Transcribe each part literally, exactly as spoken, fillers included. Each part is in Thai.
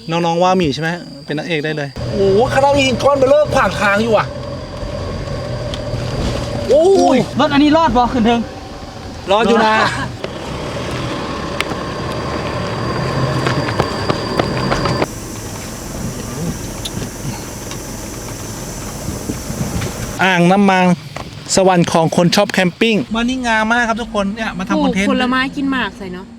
น้องๆว่ามีใช่ไหมเป็นนางเอกได้เลยโอ้โหคณะมีหินก้อนเบลเลอร์ขวางทางอยู่อ่ะโอ้ยรถอันนี้รอดบ่ขึ้นเทิงรออยู่นะอ่างน้ำมันสวรรค์ของคนชอบแคมปิ้งมานี่งามมากครับทุกคนเนี่ยมาทำคอนเทนต์ผลไม้กินหมากใส่เนาะ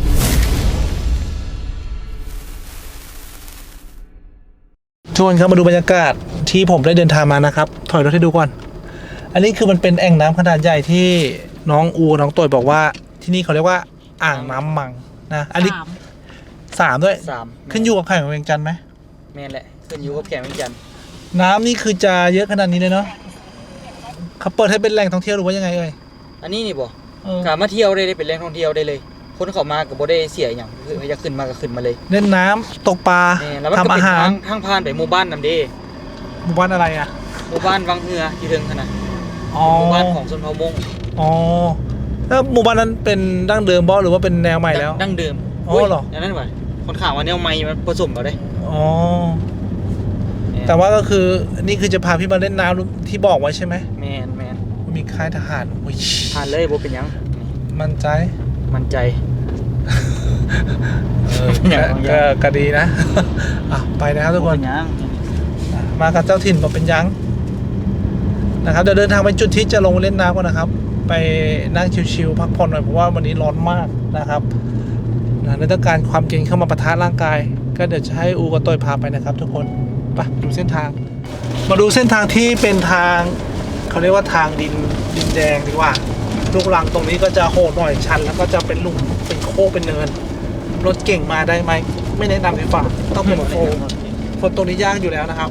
ชวนครับมาดูบรรยากาศที่ผมได้เดินทางมานะครับถอยรถให้ดูก่อนอันนี้คือมันเป็นแอ่งน้ำขนาดใหญ่ที่น้องอูน้องตัวบอกว่าที่นี่เขาเรียกว่าอ่างน้ำมังนะอันนี้สามด้วยสามขึ้นอยู่กับไข่ของเวียงจันทร์ไหมแม่นแหละขึ้นอยู่กับแขกเวียงจันทร์น้ำนี่คือจะเยอะขนาดนี้เลยเนาะเขาเปิดให้เป็นแหล่งท่องเที่ยวหรือว่ายังไงเอ่ยอันนี้นี่บ่เออขามาเที่ยวได้ได้เป็นแหล่งท่องเที่ยวได้เลย คนเข้ามาก็บ่ได้เสียอย่างคืออยากขึ้นมาก็ขึ้นมาเลยเล่นน้ำตกปลาแม่แล้วมันก็ทำเป็อานหารทางทางผ่านไปหมู่บ้านนำเด้หมู่บ้านอะไรอ่ะหมู่บ้านวังเหือที่เทิงขนาดอ๋อหมู่บ้านของชนเผ่ามงอ๋อแล้วหมู่บ้านนั้นเป็นดั้งเดิมบ่หรือว่าเป็นแนวใหม่แล้วดั้งเดิมอ๋อเหรออย่างนั้นว่ะคนข่าวว่าแนวใหม่มันผสมเอาได้อ๋อแต่ว่าก็คือนี่คือจะพาพี่มาเล่นน้ำที่บอกไว้ใช่ไหมแม่นแม่นมีค่ายทหารโอ้ยผ่านเลยบ่เป็นหยังนี่มั่นใจมั่นใจเอออย่างก็อย่างก็ก็ดีนะ อ่ะไปนะครับทุกคนบ่เป็หยังมากับเจ้าถิ่นบอกเป็นยังนะครับเดี๋ยวเดินทางไปจุดที่จะลงเล่นน้ำก่อนนะครับ ไปนั่งชิวๆพักผ่อนหน่อยเพราะว่าวันนี้ร้อนมากนะครับนะและต้องการความเย็นเข้ามาปะทะร่างกาย ก็เดี๋ยวจะให้อูกับต้อยพาไปนะครับ ทุกคนไปดูเส้นทาง มาดูเส้นทางที่เป็นทางเขาเรียกว่าทางดินดินแดงดีกว่าลูกรังตรงนี้ก็จะโหดหน่อยชันแล้วก็จะเป็นหลุมเป็นโค้งเป็นเนินรถเก่งมาได้ไหมไม่แนะนำดีกว่าต้องเป็นโฟมโฟมตรงนี้ยากอยู่แล้วนะครับ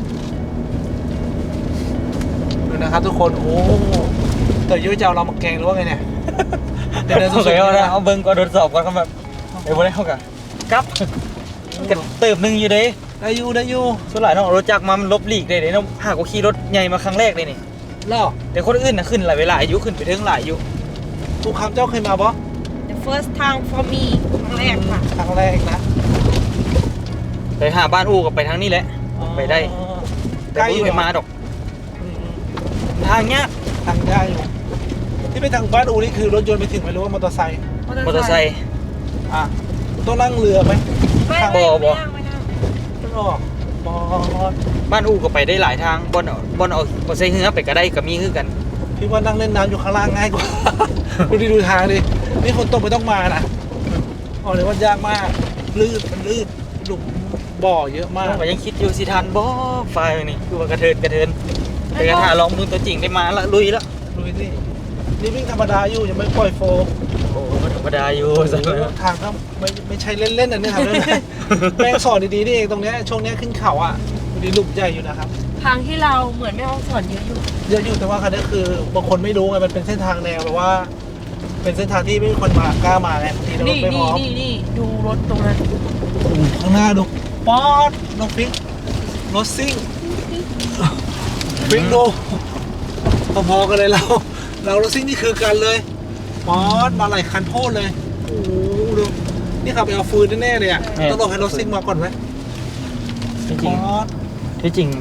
ดูนะครับทุกคนโอ้แต่ยุ้ยจะเอาเรามาแกงหรือว่าไงเนี่ยเดี๋ยวเดินโอสุเคดๆเอานะละเอาเบิ่งก่อนทดสอบก่อนครับแบบเดี๋ยวบ่ได้เข้ากันกลับกันเติบหนึงอยู่เด้ได้อยู่ได้อยู่ส่วนหลายน้องรถจักรมามันลบหลีกได้เด้น้องหากว่าขี่รถใหญ่มาครั้งแรกเลยนี่แล้วแต่คนอื่นน่ะขึ้นหลายเวลาอายุขึ้นไปถึงหลายอายุทุกคำเจ้าเคยมาปะ The first time for me ครั้งแรกค่ะครั้งแรกนะแต่ถ้าบ้านอู่ก็ไปทางนี้แหละไปได้อ๋อแต่บ่เคยมาดอกอืมทางเนี้ยทางได้อยู่ที่ไปทางบ้านอูนี่คือรถยนต์ไปถึงไหมหรือว่ามอเตอร์ไซค์มอเตอร์ไซค์อ่ะต้องนั่งเรือไหมไม่บ่ไม่บ่ไม่นั่งไม่นั่งต้องออกบอสบ้านอู่ก็ไปได้หลายทางบ่อนเอาบ่อนเอาบ่ใส่เรือไปก็ได้ก็มีคือกันพี่ว่านั่งเล่นน้ำอยู่ข้างล่างง่ายกว่า ดูดิดูทางดินี่คนตกไม่ต้องมานะอ๋อเลยว่ายากมากลื่นมันลื่นหลุมบ่อเยอะมากก็ยังคิดอยู่สิทันบ่ไฟนี่คือว่ากระเทินกระเทินแต่กระทาลองมือตัวจริงได้มาละลุยละดูสินี่วิ่งธรรมดาอยู่ยังไม่ปล่อยโฟมโอ้ก็ธรรมดาอยู่สักหน่อยทางก็ไม่ไม่ใช่เล่นๆอันนี้ทำเล่นๆแม่งสอนดีๆนี่เองตรงเนี้ยช่วงเนี้ยขึ้นเขาอ่ะดูดิหลุมใหญ่อยู่นะครับทางที่เราเหมือนแม่ห้องสอนเยอะอยู่เยอะอยู่แต่ว่าคันนี้คือบางคนไม่รู้ไงมันเป็นเส้นทางแนวแบบว่า เป็นเส้นทางที่ไม่มีคนมากล้ามาไงบางทีเรานี่ไม่พนี่ร้อมนี่นี่ดูรถตรงนั้นโอ้โหข้างหน้าดูป๊อดน้องฟิกรถซิ่งฟิกดูพอๆกันเลยเรา เรารถซิ่งนี่คือกันเลยป๊อดมาหลายคันโทษเลยโอ้โหดูนี่ขับไปเอาฟืนแน่ๆเลยอ่ะต้องรอให้รถซิ่งมาก่อนไหมจริงป๊อดๆที่จริง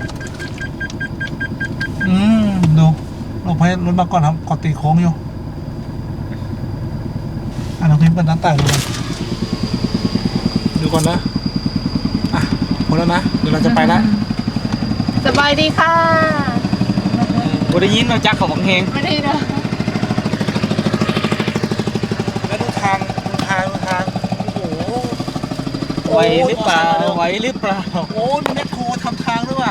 อืมดูลงให้รถมาก่อนครับขอตีโค้งอยู่อ่ะน้องพิมพ์กันน้ำต่างดูก่อนดูก่อนนะอ่ะหมดแล้วนะเดี๋ยวเราจะไปแล้วสบายดีค่ะบ่ได้ยินเราจักเขาบังเฮงไม่ได้นะแล้วดูทางดูทางดูทางโอ้โหไหวหรือเปล่าไหวหรือเปล่าโอ้มีแมคโครทำทางด้วยว่ะ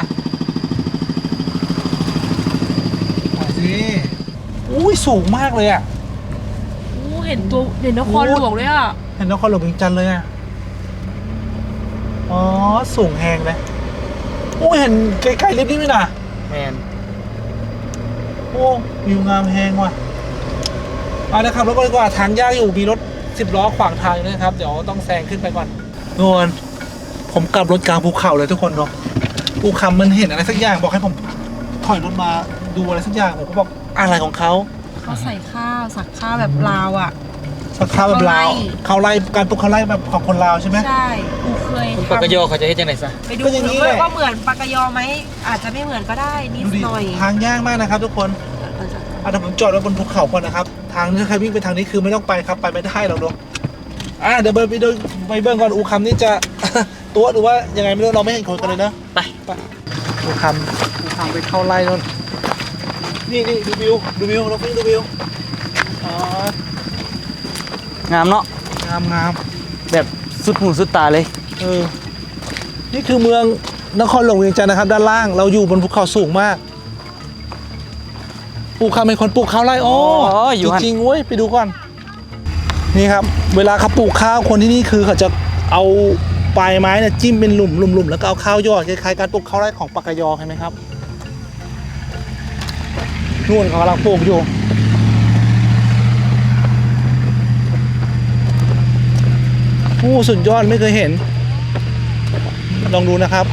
ไหวสิอุ้ยสูงมากเลยอ่ะโอ้เห็นตัวเห็นนครหลวงเลยอ่ะเห็นนครหลวงเวียงจันทร์เลยอ่ะอ๋อสูงแหงเลยโอ้เห็นไกลๆลิฟต์นี่ไหมนะแมนโอ้วิวงามแหงว่ะเอาละครับรถก็ดีกว่าทางยากอยู่มีรถสิบล้อขวางทางอยู่นะครับเดี๋ยวต้องแซงขึ้นไปก่อนนวลผมกลับรถกลางภูเขาเลยทุกคนเนาะภูเขามันเห็นอะไรสักอย่างบอกให้ผมถอยรถมาดูอะไรสักอย่างผมก็บอกอะไรของเขาเขาใส่ข้าวสักข้าวแบบลาวอ่ะสักข้าวแบบลาวข้าวไร่การปลูกข้าวไร่แบบของคนลาวใช่ไหมใช่กูเคยคุณปากกะโยเขาจะเฮ็ดจังได๋ซะไปดูก็อย่างนี้ด้วยแหละว่าเหมือนปากกยอไหมอาจจะไม่เหมือนก็ได้นิดดูดิหน่อยทางยากมากนะครับ ทุกคนอ่ะเดี๋ยวผมจอดไว้บนภูเขาก่อนนะครับทางที่ใครวิ่งไปทางนี้คือไม่ต้องไปครับไปไม่ได้หรอกเนาะอ่ะเดี๋ยวเบิร์ไปดูไปเบิ้งก่อนอูคำนี่จะ ตัวหรือว่ายังไงไม่รู้เราไม่เห็นคนกันเลยเนาะไปไปอูคำอูคำไปเข้าไร่นู่นนี่นี่ดูวิวดูวิวเราฟิงดูวิวอ๋องามเนาะงามงามแบบสุดหูสุดตาเลยเออนี่คือเมืองนครหลวงเวียงจันทร์นะครับ ด้านล่างเราอยู่บนภูเขาสูงมากปลูกข้าวเป็นคนปลูกข้าวไร่อ๋ออ๋ออยู่จหั่นริงๆเว้ยไปดูก่อนนี่ครับ เวลาเขาปลูกข้าวคนที่นี่คือเขาจะเอาปลายไม้เนี่ยจิ้มเป็นหลุมหลุมๆแล้วก็เอาข้าวยอดคล้ายๆการปลูกข้าวไร่ของปากกยอเห็นไหมครับนู่นเขากำลังปลูกอยู่โอ้สุดยอดไม่เคยเห็น ลองดูนะครับ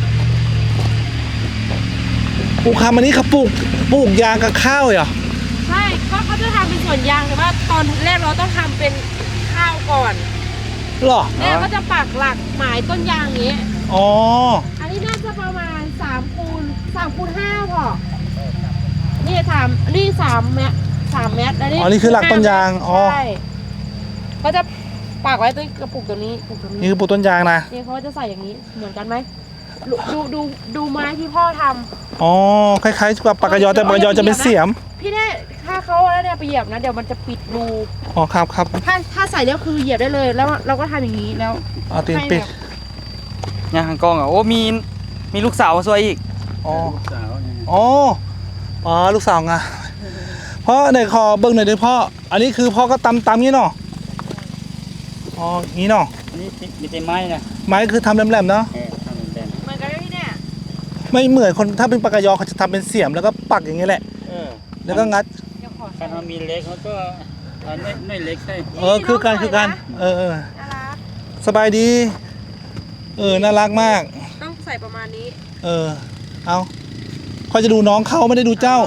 ปลูกคำอันนี้เขาปลูกปลูกยางกับข้าวเหรอใช่ก็เขาจะทำเป็นสวนยางแต่ว่าตอนแรกเราต้องทำเป็นข้าวก่อนหรอเนี่ยก็จะปักหลักหมายต้นยางอย่างนี้อ๋ออันนี้น่าจะประมาณสามคูณสามคูณห้าพอนี่สามนี่สามเมตรสามเมตรแล้วนี่อ๋อนี่คือหลักต้นยางอ๋อใช่ก็จะปักไว้ตัวกระปุกตัวนี้ปลูกตัวนี่นี้คือปลูกต้นยางนะนี่เขาจะใส่อย่างนี้เหมือนกันไหมดูดูดูดูไม้ที่พ่อทำอ๋อคล้ายๆกับปากกยอแต่ปากกยอจะเป็นเสียมพี่เนี่ยถ้าเขาแล้วเนี่ยไปเหยียบนะเดี๋ยวมันจะปิดรูอ๋อครับครับถ้าถ้าใส่แล้วคือเหยียบได้เลยแล้วเราก็ทำอย่างนี้แล้วเอาตีนปิดย่างหางกองอ่ะโอ้มีมีลูกสาวมาช่วยอีกอ๋ออ๋ออ๋อลูกสาวไงพ่อไหนขอเบิ้งหน่อยดิพ่ออันนี้คือพ่อก็ตำตำงี้เนาะอ๋องี้เนาะนี่มีแต่ไม้นะไม้คือทำแหลมๆเนาะเออทำเป็นเหมือนกันไหมพี่เนี่ยไม่เหมือนคนถ้าเป็นปากกยอเขาจะทำเป็นเสียมแล้วก็ปักอย่างนี้แหละเออแล้วก็งัดเดี๋ยวขอการมีเล็กเขาก็อันไม่เล็กใช่เออคือการคือการเออเออน่ารักสบายดี เออ น่ารักมากต้องใส่ประมาณนี้เออ เอาคอยจะดูน้องเขาไม่ได้ดูเจ้า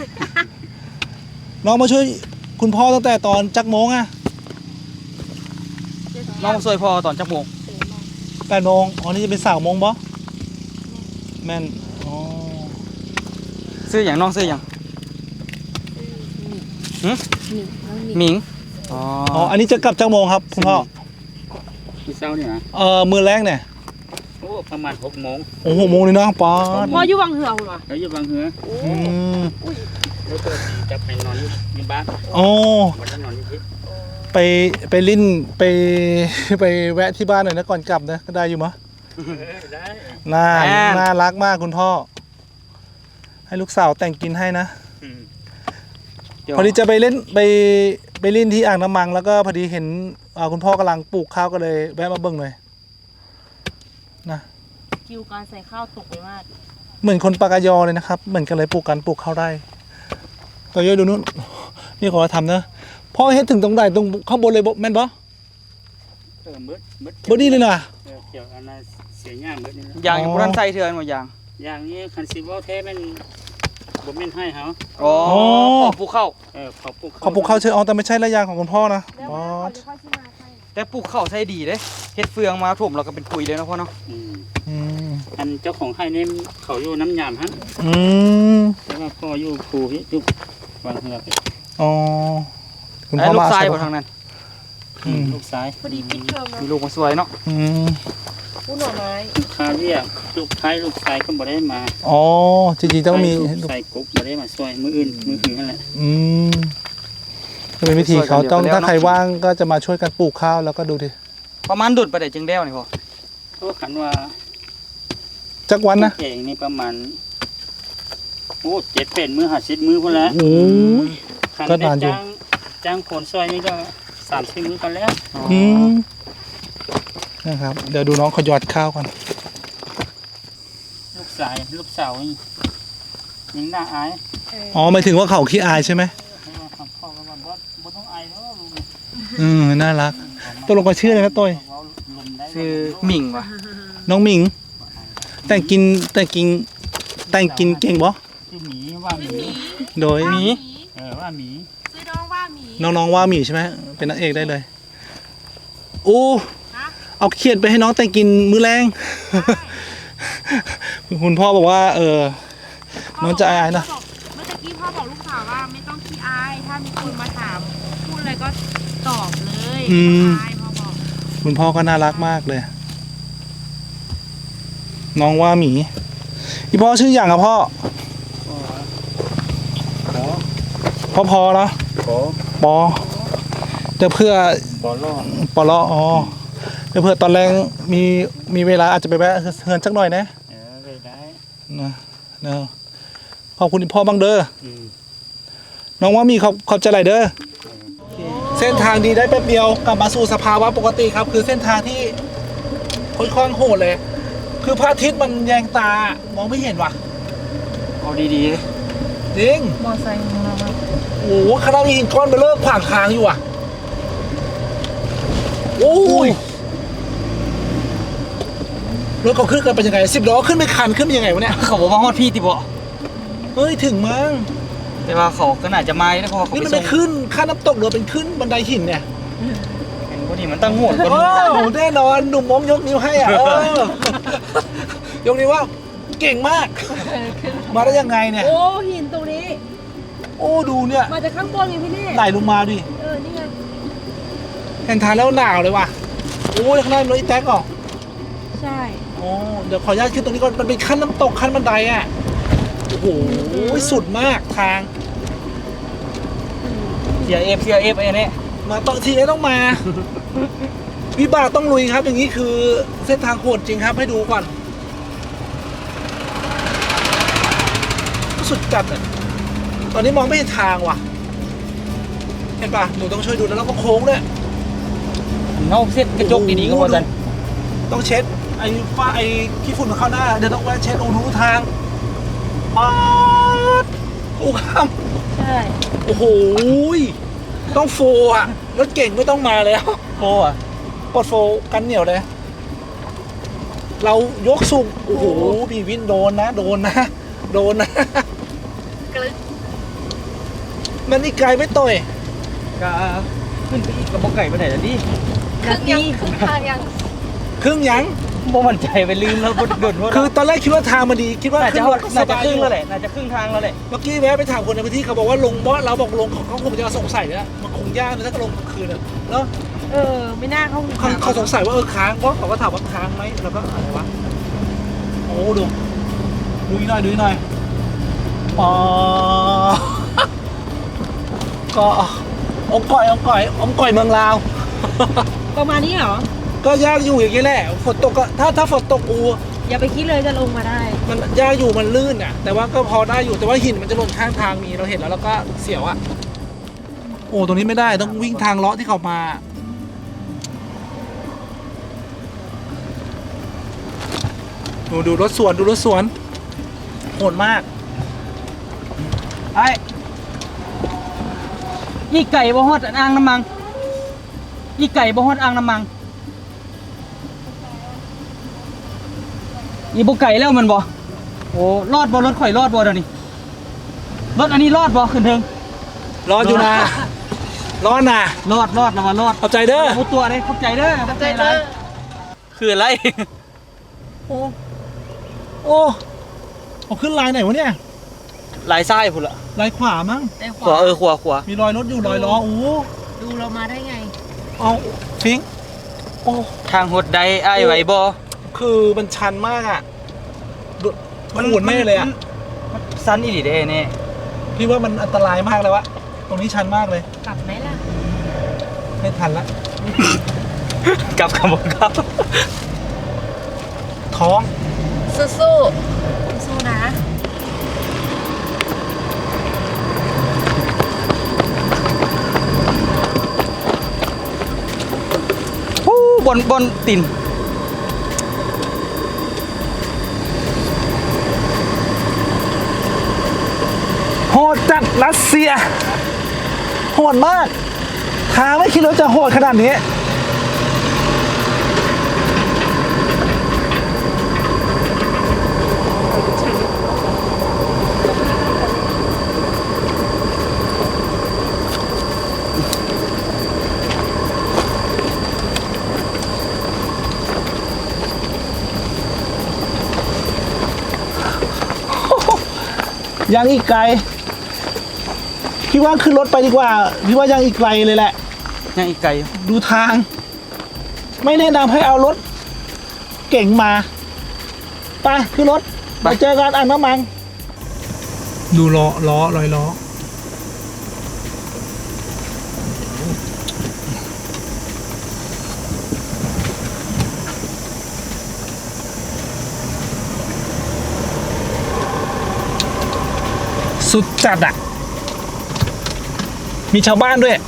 น้องมาช่วยคุณพ่อตั้งแต่ตอนจักโมงอะน้องมาช่วยพ่อตอนจักโมงแปดโมงอ๋อ นี่จะเป็นสาวโมงบอแม่น อ๋อซื้ออย่างน้องซื้ออย่างหึหมิงอ๋ออ๋อ อันนี้จะกลับจักโมงครับคุณพ่อมีเช้าเนี่ยนะเออมือแรกเนี่ยโอ้ประมาณหกโมงโอ้โหโมงเลยเนาะป๊อดพ่ออยู่วังเหือเหรอแล้วอยู่บางเหืออืมแล้วก็จะไปนอนอยู่ที่บ้านโอ้วันนั้นนอนอยู่ที่ไปไปลิ้นไป ไปแวะที่บ้านหน่อยนะก่อนกลับนะก็ได้อยู่มั้ยได้น่าน่ารักมากคุณพ่อ ให้ลูกสาวแต่งกินให้นะ พอดีจะไปเล่นไปไปเล่นที่อ่างน้ำมังแล้วก็พอดีเห็นอ่าคุณพ่อกำลังปลูกข้าวก็เลยแวะมาเบิ่งหน่อยนะคิวการใส่ข้าวตกไปมากเหมือนคนปากกยอเลยนะครับเหมือนกันเลยปลูกกันปลูกข้าวไร่ตัวย่อยดูนู้นนี่ขอทำนะพ่อเฮ็ดถึงตรงไหนตรงข้างบนเลยบ่แม่นบ่เออมืดมืดบ่ดีเลยนะเออเกี่ยวอันนั้นเสียย่างมืดนี่นะยางอยู่บนใส่เถื่อนหมดยางยางนี้คันซิวแท้แม่นบ่แม่นให้เขาอ๋อขอปลูกข้าวเออขอปลูกเขาปลูกข้าวเชื่อเอาแต่ไม่ใช่ระยางของคุณพ่อนะแล้วอ๋อเขาจะค่อยซื้อมาให้แต่ปลูกข้าวใส่ดีเด้เฮ็ดเฟืองมาถมเราก็เป็นปุ๋ยเลยนะพ่อเนาะอืมอันเจ้าของให้นี่เขาอยู่น้ำยามฮะอืมแล้วก็พ่ออยู่ครูที่อยู่วางเหือกอ๋อคุณไอ้พ่อลูกมาชายใช่บ่ปะทางนั้นอืมลูกชายพอดีปิดเทอมมีนะลูกมาสวยเนาะอืมผู้หน่อไม้ลูกค้าเรียกลูกชายลูกชายก็บ่ได้มาอ๋อจริงๆต้องมีใส่กุ๊กบ่ได้มาช่วยมืออื่นมืออื่นนั่นแหละอืมก็เป็นวิธีเขาต้องถ้าใครว่างก็จะมาช่วยกันปลูกข้าวแล้วก็ดูดิประมาณดุดประเดี๋ยวจึงแล้วนี่พ่อเพราะขันว่าจักวันนะเองนี่ประมาณโอ้เจ็ดเป็นมือห้าสิบมือพุ่นแล้วโอ้ยขันก็ได้นานอยู่จ้างจ้างคนซอยนี่ก็สามสิบมือกันแล้วอืมนะครับ เดี๋ยวดูน้องเขาหยอดข้าวก่อนลูกสายลูกสาวนี่ยังน่าอายอ๋อหมายถึงว่าเขาขี้อายใช่ไหมให้ว่าคำพ่อก็ว่าบ่บ่ต้องอายแล้วลูกอืมน่ารักตัวลงก็ชื่ออะไรนะต้อยชื่อหมิงว่ะน้องหมิง แต่งกินแต่งกินแต่งกินเก่งบ่ชื่อหมีว่าหมีโดยหมี เออว่าหมีซื้อน้องว่าหมีน้องๆว่าหมีใช่ไหมเป็นนางเอกได้เลยโอ้เอาเขียดไปให้น้องแต่งกินมื้อแรง คุณพ่อบอกว่า เออน้องจะอายๆนะเมื่อตะกี้พ่อบอกลูกสาวว่าไม่ต้องขี้อายถ้ามีคนมาถามพูดอะไรก็ตอบเลยไม่ต้องอายพ่อบอกคุณพ่อก็น่ารักมากเลย น้องว่าหมีพี่พ่อชื่ออย่างครับพ่อพ่อพอแล้วขอปอเดี๋ยวเพื่อขอรอดปอลออ๋อเดี๋ยวเพื่อตอนแรงมีมีเวลาอาจจะไปแวะเฮือนสักหน่อยนะเออไปได้นะนะขอบคุณพ่อบ้างเด้ออืมน้องว่ามีขอบขอบใจหลายเด้อเส้นทางดีได้แป๊บเดียวกลับมาสู่สภาวะปกติครับ คือเส้นทางที่ค่อนข้างโหดเลย คือพระอาทิตย์มันแยงตามองไม่เห็นว่ะเอาดีๆเลยจริงมอไซค์ของเราโอ้โหขนาดมีหินก้อนเบลเลอร์ขวางทางอยู่อ่ะโอ้ยรถเขาขึ้นกันเป็นยังไงสิบล้อขึ้นไม่คันขึ้นเป็นยังไงวะเนี่ยเขาบอกว่าฮอดพี่ติบ่เฮ้ยถึงมั้งแต่ว่าเขาก็น่าจะมาได้เพราะว่าเขานี่ไปมันส่ไม่งขึ้นค่าน้ำตกหรือเป็นขึ้นบันไดหินเนี่ยเห็นพอดีมันตั้งโหดคนโอ้แน่นอนหนุ่มมองยกนิ้วให้อ่ะเออยกนิ้วว่าเก่งมาก มาได้ยังไงเนี่ยโอ้หินตรงนี้โอ้ดูเนี่ยมาจากข้างบนไงพี่เน่ไหลลงมาดิเออนี่ไงเห็นทางแล้วหนาวเลยว่ะโอ้ยข้างหน้ามีรถอีแท็กเหรอใช่โอ้เดี๋ยวขออนุญาตขึ้นตรงนี้ก่อนมันเป็นขั้นน้ำตกขั้นบันไดอ่ะโอ้โหสุดมากทางเสียเอฟเสียเอฟไอ้นี่มาต้องทีนี้ต้องมา วิบากต้องลุยครับ อย่างนี้คือเส้นทางโหดจริงครับให้ดูก่อนสุดจัดอ่ะตอนนี้มองไม่เห็นทางว่ะเห็นปะหนูต้องช่วยดูแล้วเราก็โค้งด้วยเงาเส้นกระจกดีๆก็พอจันต้องเช็ดไอ้ฝ้าไอ้ขี้ฝุ่นเข้าหน้าเดี๋ยวต้องแวะเช็ดโอ้รู้ทางป๊าดโอ้ข้ามใช่โอ้โหต้องโฟอ่ะรถเก่งไม่ต้องมาแล้วโอ้อะกดโฟกันเหนียวเลย เรายกสูงโอ้โหพี่วินโดนนะโดนนะโดนนะกลึกมันนี่ไกลไม่ต่อยก็ขึ้นไปอีกกับบ่ไก่ไปไหนแล้วดิครึ่งยังครึ่งทางยังครึ่งยังบ่มั่นใจไปลืมแล้วบ่โดนโทษคือตอนแรกคิดว่าทางมันดีคิดว่าน่าขึ้จะนรถสน่าจะบายครึ่งอยู่แล้วแหละน่าจะครึ่งทางแล้วแหละเมื่อกี้แวะไปถามคนในพื้นที่เขาบอกว่าลงเพราะเราบอกลงเขาเขาคงจะสงสัยนะมันคงยากนะถ้าก็ลงกลางคืนอะเนาะเออไม่น่าเข้าเขาเขาสงสัยว่าเออค้างเพราะเขาก็ถามว่าค้างไหมแล้วก็อะไรวะโอ้ดูดูอีกหน่อยดูอีกหน่อยอ๋อ ก็อมก่อยอมก่อยอมก่อยเมืองลาวประมาณนี้เหรอก็ยากอยู่อย่างนี้แหละฝนตกก็ถ้าถ้าฝนตกอูอย่าไปคิดเลยจะลงมาได้มันยากอยู่มันลื่นอ่ะ แต่ว่าก็พอได้อยู่แต่ว่าหินมันจะหล่นข้างทางมีเราเห็นแล้วแล้วก็เสียวอ่ะโอ้ตรงนี้ไม่ได้ต้องวิ่งทางเลาะที่เขามาดูดูรถสวนดูรถสวนโหดมากไอ้อีไก่บ่ฮอดอ่างน้ำมังอีไก่บ่ฮอดอ่างน้ำมังอีบ่ไก่แล้วมันบ่โอ้รอดบ่รถข่อยรอดบ่เดี๋ยวนี้รถอันนี้รอดบ่ขึ้นเทิงรออยู่นะรอดนะรอดรอดแล้วว่ารอดขอบใจเด้อพูดตัวเลยเข้าใจเด้อเข้าใจเด้อคืออะไรโอ้โอ้เอาขึ้นลายไหนวะเนี่ยลายไส้พุ่นละลายขวามั้งแต่ขขวาวาเออขวาขวามีรอยรถอยู่รอยล้อโอ้ดูเรามาได้ไงเอาฟิงโอ้ทางหดใดไอ้ายไหวบ่คือมันชันมากอ่ะดูมันหมุนไม่เลยอ่ะมันสั้นอีหลีเด้เนี่ยพี่ว่ามันอันตรายมากเลยวะตรงนี้ชันมากเลยกลับไหมล่ะไม่ทันละกลับกับบ่ครับท้องสู้สู้สู้นะฮู้บนบนตินโหดจัดรัสเซียโหดมากทางไม่คิดว่าจะโหดขนาดนี้ยังอีกไกลพี่ว่าขึ้นรถไปดีกว่าพี่ว่ายังอีกไกลเลยแหละยังอีกไกลดูทาง ไม่แนะนำให้เอารถเก่งมาไปขึ้นรถไปเจอกันอ่างน้ำมันดูล้อล้อลอยล้อสุดจัดอ่ะมีชาวบ้านด้วย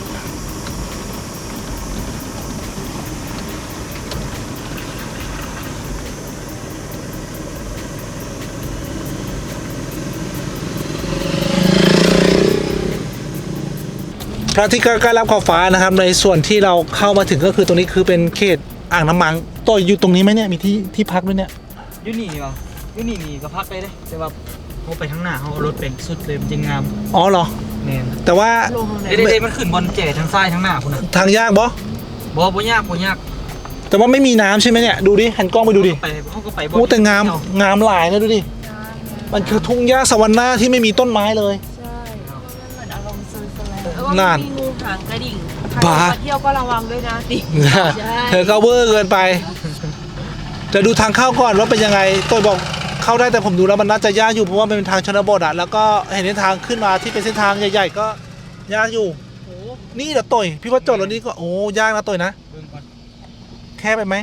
พระอาทิตย์ก็ใกล้รับขอบฟ้านะครับในส่วนที่เราเข้ามาถึงก็คือตรงนี้คือเป็นเขตอ่างน้ำมันตัวอยู่ตรงนี้ไหมเนี่ยมีที่ที่พักด้วยเนี่ยยูนี่นี่วะยูนี่นี่ก็พักไปเลยแต่ว่าเขาไปข้างหน้าเขาเอารถเป็นสุดเลยมันจะงามอ๋อเหรอแน่นแต่ว่าลงทางไหนเด็ดๆมันขึ้นบอลเจ๋ทั้งซ้ายทั้งหน้าคุณน่ะทางยากบอบ่บ่ยากบ่ยากแต่ว่าไม่มีน้ำใช่ไหมเนี่ยดูดิหันกล้องไปดูดิไปเขาก็ไปบ่โอ้แต่งามงามหลายนะดูดิมันคือทุ่งหญ้าสวรรค์หน้าที่ไม่มีต้นไม้เลยใช่มันเหมือนอารมณ์ซุยสแลนด์แล้วนั่ก็นมีงูหางกระดิ่งใครบ้ามาเที่ยวก็ระวังด้วยนะติใช่เธอก็เวอร์เกินไปจะดูทางเข้าก่อนว่าเป็นยังไงตัวบอกเข้าได้แต่ผมดูแล้วมันน่าจะยากอยู่เพราะว่ามันเป็นทางชนบทอะแล้วก็เห็นเส้นทางขึ้นมาที่เป็นเส้นทางใหญ่ๆก็ยากอยู่นี่เดี๋ยวต่อยพี่ว่าจอดรถนี้ก็โอ้ยากนะต่อยนะเบิ่งก่อนแค่ไปไหม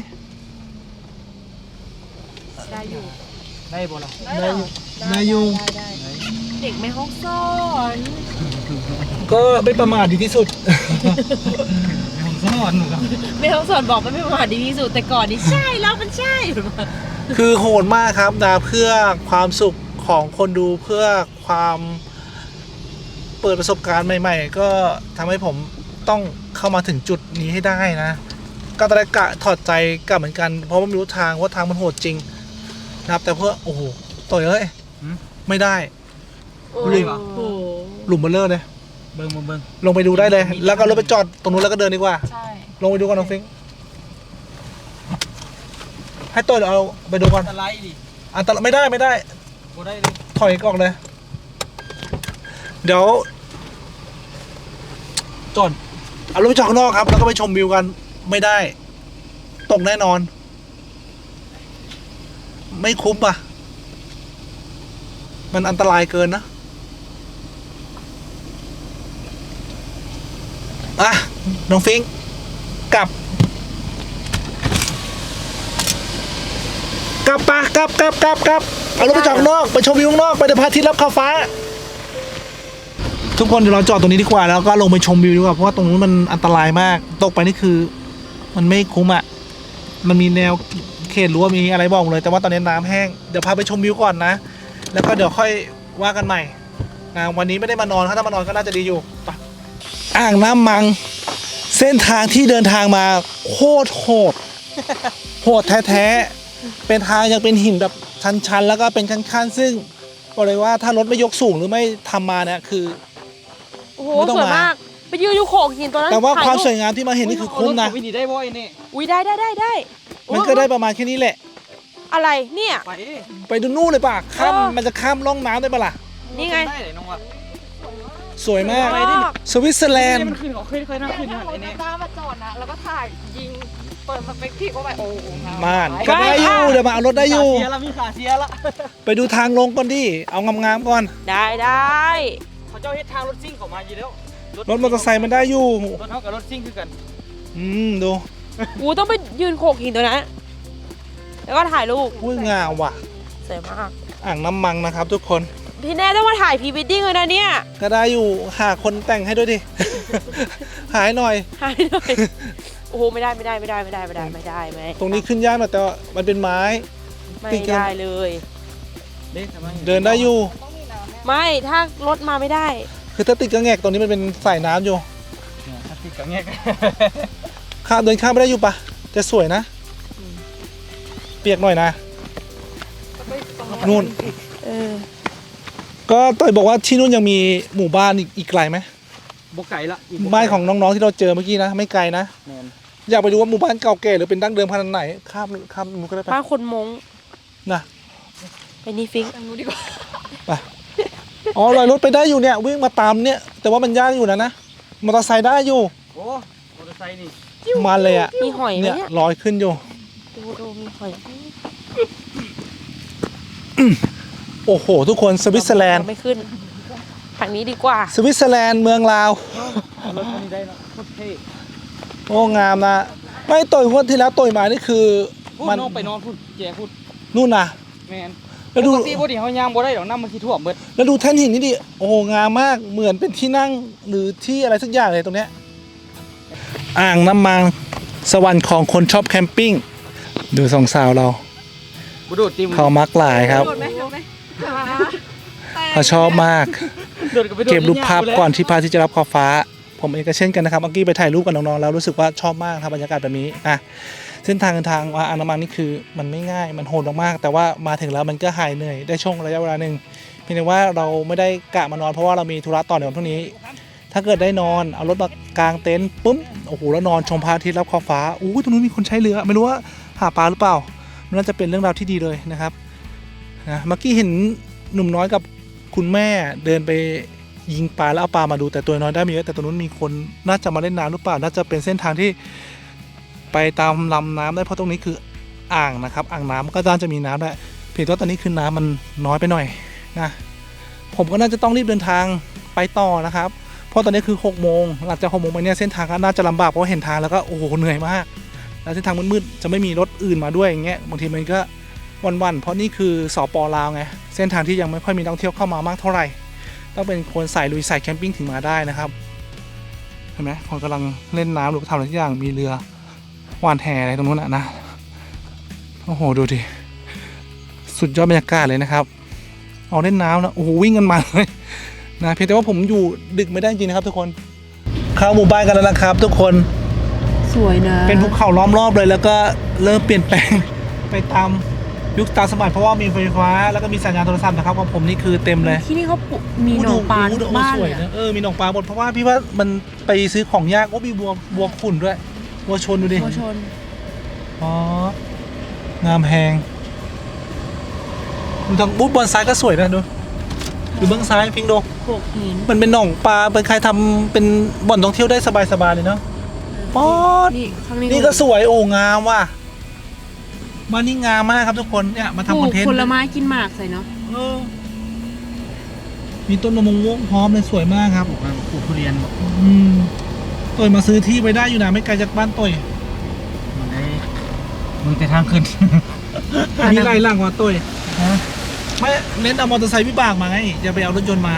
ได้อยู่ได้บ่ล่ะได้อยู่ได้อยู่ได้ได้เด็กไม่ห้องสอนก็ไม่ประมาทดีที่สุดผมสอนหนูครับไม่ห้องสอนบอกว่าไม่ประมาทดีที่สุดแต่ก่อนนี่ใช่แล้วมันใช่คือโหดมากครับนะเพื่อความสุขของคนดูเพื่อความเปิดประสบการณ์ใหม่ๆ ก็ทำให้ผมต้องเข้ามาถึงจุดนี้ให้ได้นะ ก็ตอนแรกกะถอดใจกลับเหมือนกันเพราะว่าไม่รู้ทางว่าทางมันโหดจริงนะครับแต่เพื่อโอ้โหต่อยเอ้ยไม่ได้โอ้หลุมโหหลุมเบลเลอร์เลยเบิ่งมาเบิ่งลงไปดูได้เลย แล้วก็รถไปจอดตรงนู้นแล้วก็เดินดีกว่าใช่ลงไปดูก่อนน้องฟิงค์ให้ตัวเอาไปดูก่อนอันตรายดิอันตรายไม่ได้ไม่ได้บ่ได้เลยถอยออกเลย เดี๋ยวจอดเอารถไปจอดข้างนอกครับ แล้วก็ไปชมวิวกันไม่ได้ ตกแน่นอน ไม่คุ้มอ่ะ มันอันตรายเกินนะ อ่ะ น้องฟิงค์กลับ กลับปะกลับกลับกลับกลับเอารถไปจอดข้างนอกไปชมวิวข้างนอกไปเดี๋ยวพระอาทิตย์รับขอบฟ้า ทุกคนเดี๋ยวเราจอดตรงนี้ดีกว่าแล้วก็ลงไปชมวิวดีกว่าเพราะว่าตรงนู้นมันอันตรายมากตกไปนี่คือ มันไม่คุ้มอ่ะมันมีแนวเขตรั้วมีอะไรบอกเลยแต่ว่าตอนนี้น้ำแห้งเดี๋ยวพาไปชมวิวก่อนนะ แล้วก็เดี๋ยวค่อยว่ากันใหม่นะวันนี้ไม่ได้มานอนถ้ามานอนก็น่าจะดีอยู่ไปอ่างน้ำมัง เส้นทางที่เดินทางมาโคตรโหดโหดแท้ๆเป็นทางยังเป็นหินแบบชันๆแล้วก็เป็นขั้นๆซึ่งบอกเลยว่าถ้ารถไม่ยกสูงหรือไม่ทำมาเนี่ยคือโอ้โหไม่ต้องสวยมามากไปยืนอยู่โขกหินตัวนั้นแต่ว่าถ่ยความรูปสวยงามที่มาเห็นนี่คือคุ้มนะวิธีได้บ่อยนี่อุ้ยได้ได้ได้ได้มันก็ได้ประมาณแค่นี้แหละอะไรเนี่ยไปไปดูนู่นเลยป่ะข้ามเออมันจะข้ามร่องน้ำได้ปะล่ะนี่ไงได้เลยน้องว่ะสวยมากไปดิสวิตเซอร์แลนด์มันขึ้นเขาขึ้นเคยนั่งขึ้นนั่นไอ้นี่ตามาจอดนะแล้วก็ถ่ายยิงเปิดสเปกทีฟเข้าไปโอ้โหมานก็ได้อยู่เดี๋ยวมาเอารถได้อยู่เสียละมีขาเสียละไปดูทางลงก่อนดิเอางามๆก่อนได้ได้เขาเจ้าเฮ็ดทางรถซิ่งเขามาอยู่แล้วรถมอเตอร์ไซค์มันได้อยู่รถเท่ากับรถซิ่งคือกันอืมดูกูต้องไปยืนโขกหินตัวนั้นแล้วก็ถ่ายรูปอุ้ยงามว่ะสวยมากอ่างน้ำมังนะครับ ทุกคนพี่แน่ต้องมาถ่ายพรีเวดดิ้งเลยนะเนี่ยก็ได้อยู่หาคนแต่งให้ด้วยดิ หายหน่อยถ่ายหน่อยโอ้โหไม่ได้ไม่ได้ไม่ได้ไม่ได้ไม่ได้ไม่ได้ไม่ตรงนี้ขึ้นยากหน่อยแต่ว่ามันเป็นไม้ไม่ได้เลยเด็กทำไมเดินได้อยู่ไม่ถ้ารถมาไม่ได้คือถ้าติดกระแงกตรงนี้มันเป็นสายน้ำอยู่ถ้าติดกับเงี้ยข้ามเดินข้ามไม่ได้อยู่ปะจะสวยนะ เปียกหน่อยนะนู่นเออก็ต่อยบอกว่าที่นู่นยังมีหมู่บ้านอีกอีกไกลไหมบกไก่ละบ้านของน้องๆที่เราเจอเมื่อกี้นะไม่ไกลนะแมนอยากไปดูว่าหมู่บ้านเก่าแก่หรือเป็นดั้งเดิมขนาดไหนข้ามข้ามมันก็ได้ปะบ้านคนมงนะไปนี่ฟิงค์ไปอ๋อลอยรถไปได้อยู่เนี่ยวิ่งมาตามเนี่ยแต่ว่ามันยากอยู่นะนะมอเตอร์ไซค์ได้อยู่โอ้มอเตอร์ไซค์นี่มันเลยอ่ะมีหอยไหมเนี่ยเนี่ยลอยขึ้นอยู่ดูดูมีหอยโอ้โหทุกคนสวิตเซอร์แลนด์เราไม่ขึ้นทางนี้ดีกว่าสวิตเซอร์แลนด์เมืองลาวรถคันนี้ได้เนาะโคตรเท่โอ้งามนะไม่ต่อยงวดที่แล้วต่อยมานี่คือพูดมันน้องไปนอนพูดแจพูดนู่นนะแมนแล้วดูปกติบ่ดิเฮาย่างบ่ได้ดอกน้ำมันสิท่วมเบิดแล้วดูแท่นหินนี่ดิโอ้โหงามมากเหมือนเป็นที่นั่งหรือที่อะไรสักอย่างเลยตรงเนี้ยอ่างน้ำมันสวรรค์ของคนชอบแคมปิ้งดูสองสาวเราบ่โดดติมเขามักหลายครับโดดไหมโดดไหมเขาชอบมากโดดไปโดดเก็บรูปภาพใหญ้ก่อนที่พระอาทิตย์จะรับขอบฟ้า ผมเองก็เช่นกันนะครับเมื่อกี้ไปถ่ายรูปกับน้องๆแล้วรู้สึกว่าชอบมากครับบรรยากาศแบบนี้อ่ะเส้นทางเดินทางมาอ่างน้ำมันนี่คือมันไม่ง่ายมันโหดมากๆแต่ว่ามาถึงแล้วมันก็หายเหนื่อยได้ช่วงระยะเวลาหนึ่งเพียงแต่ว่าเราไม่ได้กะมานอนเพราะว่าเรามีธุระต่อในวันพรุ่งนี้ ถ้าเกิดได้นอนเอารถมากางเต็นท์ปุ๊บโอ้โหแล้วนอนชมพระอาทิตย์รับขอบฟ้าอู้ตรงนู้นมีคนใช้เรือไม่รู้ว่าหาปลาหรือเปล่ามันน่าจะเป็นเรื่องราวที่ดีเลยนะครับนะเมื่อกี้เห็นหนุ่มน้อยกับคุณแม่เดินไปยิงปลาแล้วเอาปลามาดูแต่ตัวน้อยได้ไม่เยอะแต่ตรงนู้นมีคนน่าจะมาเล่นน้ำหรือเปล่าน่าจะเป็นเส้นทางที่ไปตามลำน้ำได้เพราะตรงนี้คืออ่างนะครับอ่างน้ำก็น่าจะมีน้ำได้เพียงแต่ว่าตอนนี้คือน้ำมันน้อยไปหน่อยนะผมก็น่าจะต้องรีบเดินทางไปต่อนะครับเพราะตอนนี้คือหกโมงหลังจากหกโมงไปเนี่ยเส้นทางก็น่าจะลำบากเพราะเห็นทางแล้วก็โอ้โหเหนื่อยมากแล้วเส้นทางมืดๆจะไม่มีรถอื่นมาด้วยอย่างเงี้ยบางทีมันก็วันๆเพราะนี่คือสป.ลาวไงเส้นทางที่ยังไม่ค่อยมีนักท่องเที่ยวเข้ามามากเท่าไหร่ต้องเป็นคนสายลุยสายแคมปิ้งถึงมาได้นะครับเห็นไหมคนกำลังเล่นน้ำหรือทำอะไรทุกอย่างมีเรือว่านแหอะไรตรงนู้นนะนะโอ้โหดูดิสุดยอดบรรยากาศเลยนะครับเอาเล่นน้ำนะโอ้โหวิ่งกันมาเลยนะเพียงแต่ว่าผมอยู่ดึกไม่ได้จริงนะครับทุกคนเข้าหมู่บ้านกันแล้วนะครับ ทุกคนสวยนะเป็นภูเขาล้อมรอบเลยแล้วก็เริ่มเปลี่ยนแปลง ไปตามยุคตามสมัยเพราะว่ามีไฟฟ้าแล้วก็มีสัญญาณโทรศัพท์นะครับของผมนี่คือเต็มเลยที่นี่เขาปลูกมีหนองปลาทุกบ้านสเลวยยนะอะเออมีหนองปลาหมดเพราะว่าพี่ว่ามันไปซื้อของยากโอ้มีบัวบัวขุ่นด้วยบัวชนดูดิบัวชนอ๋องามแพงดูทางบุ๊บบอลซ้ายก็สวยนะดูดูเบื้องซ้ายพิงดูโขกหินมันเป็นหนองปลาเป็นใครทำเป็นบ่อนท่องเที่ยวได้สบายๆเลยเนาะป๊อดนี่ข้างนี้นี่ก็สวยโอ้งามว่ะบ้านนี้งามมากครับทุกคนเนี่ยมาปลูทำคอนกเทนต์ผลไม้กินหมากใส่เนาะเออมีต้นมะม่วงพร้อมเลยสวยมากครับปลูกทุเรียนอืมต่อยมาซื้อที่ไปได้อยู่นะไม่ไกลจากบ้านต่อยมันได้มึงแต่ทางขึ้นอันนี้ไล่ล่างว่าต่อยไม่เน้นเอามอเตอร์ไซค์วิบากมาไงอย่าไปเอารถยนต์มา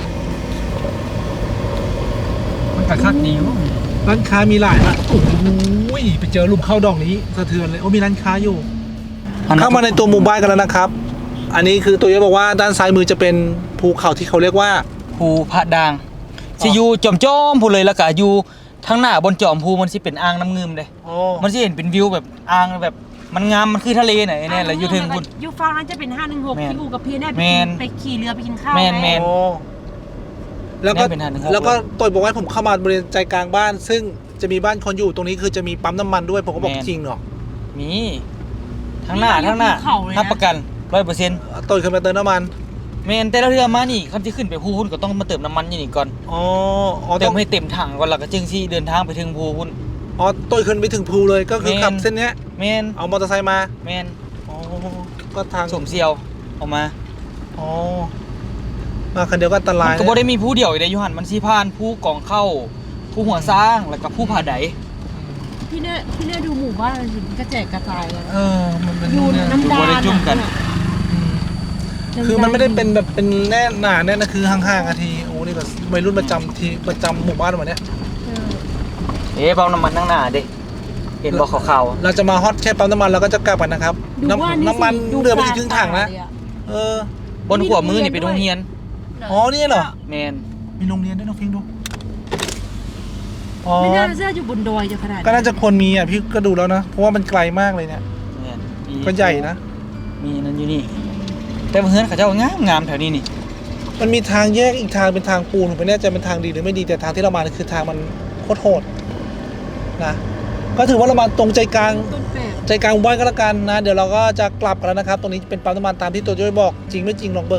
มันกระคักนิ้วร้านค้ามีหลายละโอ้โหไปเจอหลุมเข้าดอกนี้สะเทือนเลยโอ้มีร้านค้าอยู่ เข้ามาในตัวหมู่บ้านกันแล้วนะครับ อันนี้คือตัวเยบอกว่าด้านซ้ายมือจะเป็นภูเขาที่เขาเรียกว่าภูพระดางสิอยู่จอมจอมๆพูเลยแล้วก็อยู่ทางหน้าบนจอมภูมันสิเป็นอ่างน้ำเงิมเลยโอ้มันสิเห็นเป็นวิวแบบอ่างแบบมันงามมันคือทะเลไหนเนี่ยแหละอยู่ถึงคุณยูฟังนั้นจะเป็นห้าหนึ่งหกแม่นที่อูกับเพียได้ไปแม่กินนไปขี่เรือไปกินข้าวแม่นไงแม่นโอ้แล้วก็เนี่ยเป็นทางหนึ่งครับแล้วก็ตัวบอกว่าผมเข้ามาบริเวณใจกลางบ้าน ซึ่งจะมีบ้านคนอยู่ตรงนี้คือจะมีปั๊มน้ำมันด้วยผมก็บอกจริงเหรอมีทางหน้าทางหน้ารับประกันร้อยเปอร์เซ็นต์ตัวขึ้นมาเติมน้ำมันเมนแต่ละเรือมานี่คันที่ขึ้นไปภูหุ่นก็ต้องมาเติมน้ำมันอยู่นี่ก่อนอ๋ออ๋อเติต้อมงให้เต็มถังก่อนแล้วก็จึงสิเดินทางไปถึงภูหุ่นอ๋อตัวขึ้นไปถึงภูเลยก็คือแม่นขับเส้นเนี้ยเมนเอามอเตอร์ไซค์มาเมนอ๋อก็ทางสมเซียวออกมาอ๋อมาคันเดียวก็อันตรายมันก็บ่ได้มีผู้เดียวอยู่ในยูหันมันสิผ่านผู้กองเข้าผู้หัวสร้างแล้วก็ผู้ผาไดพี่เนี่ยพี่เนี่ยดูหมู่บ้านมันสิกระแจกกระจายเลยเออมันเป็นดูเนี่ยน้ำดานบ่ได้จุ่มกันอะคือมันไม่ได้เป็นแบบเป็นแน่หนาแน่นะคือห่างๆอาทีโอ้นี่แบบวัยรุ่นประจำทีประจำหมู่บ้านวันเนี้ยเออเอ๊ะเบาน้ำมันนั่งหน้าเด้เห็นบ่ขาวเราจะมาฮอตแค่ปั๊มน้ำมันแล้วก็จะกลับกันนะครับดูว่าน้ำน้ำมันสิดูเรือไปถึงครึ่งถังนะปลาเลยอเออๆบนหัวมือนี่เป็นโรงเรียนอ๋อนี่เหรอแมนมีโรงเรียนด้วยน้องฟิงดูอ๋อไม่น่าจะอยู่บนดอยจะขนาดก็น่าจะควรมีอ่ะพี่ก็ดูแล้วนะเพราะว่ามันไกลมากเลยเนี่ยแมนมีก็ใหญ่นะมีนั่นอยู่นี่แต่ว่าเฮือนเขาเจ้างามงามๆแถวนี้นี่มันมีทางแยกอีกทางเป็นทางปูนผมไม่แน่ใจเป็นทางดีหรือไม่ดีแต่ทางที่เรามาคือทางมันโคตรโหดนะก็ถือว่าเรามาตรงใจกลางต้นแบบใจกลางหมู่บ้านก็แล้วกันนะเดี๋ยวเราก็จะกลับกันแล้วนะครับ ตรงนี้เป็นปั๊มน้ำมันตามที่ตัวจ้อยบอกจริงไม่จริงลองเบิ่ง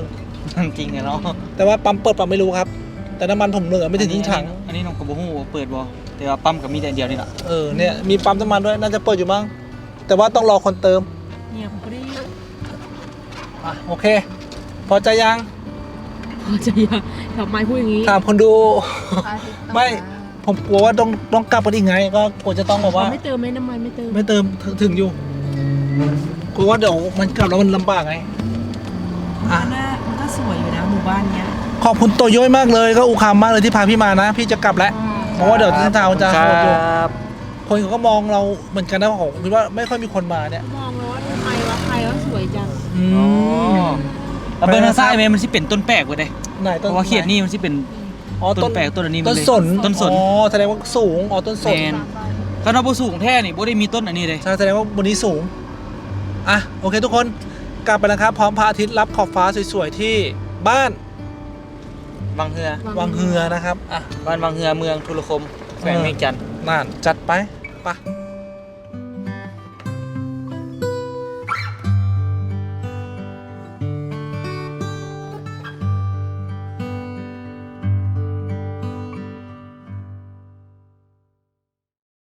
จริงเนาะแต่ว่าปั๊มเปิดปั๊มไม่รู้ครับ แต่น้ำมันผมเหลือไม่ถึงครึ่งถังอันนี้น้องกระบอกหูเปิดบ่แต่ว่าปั๊มกับมีแต่เดียวนี่แหละเออเนี่ยมีปั๊มน้ำมันด้วยน่าจะเปิดอยู่มั้งแต่ว่าต้องรอคนเติมเนี่ยผมก็ได้อ่ะโอเค พอใจยังพอจะยังทำไมพูดอย่างนี้ถามคนดู ไม่ ผมกลัวว่าต้องต้องกลับกันอีกไง ก็กลัวจะต้องแบบว่าไม่เติมไหมน้ำมันไม่เติมไม่เติมถึงถึงอยู่กลัวว่าเดี๋ยวมันกลับแล้วมันลำบากไงอ่ะมันน่ามันก็สวยอยู่นะหมู่บ้านเนี้ยขอบคุณโตโย้ยมากเลยก็อุคามมากเลยที่พาพี่มานะ พี่จะกลับแล้วเพราะว่าเดี๋ยวเส้นทางมันจะโหดอยู่คนเขาก็มองเราเหมือนกันนะผมคิดว่าไม่ค่อยมีคนมาเนี่ยมองแล้วว่าทำไมวะใครว่าสวยจังอืมแล้วเบอร์ทางซ้ายแม่มันสิเป็นต้นแปลกเว้ยเด้ไหนเพต้นราะว่าเขียดนี่มันสิเป็นอ๋อต้นแปลกต้นอันนี้ต้นเลยสนต้นสนอ๋อแสดงว่าสูงอ๋อต้นสแมนนคณะบ่สูงแท้นี่บ่ได้มีต้นอันนี้เลยใช่แสดงว่าบนนี้สูงอ่ะโอเคทุกคนกลับไปแล้วครับพร้อมพระอาทิตย์รับขอบฟ้าสวยๆที่บ้านวังเฮือวังเฮือนะครับอ่ะบ้านวังเฮือเมืองทุรคมแขวงเวียงจันทน์น่านจัดไปไปะ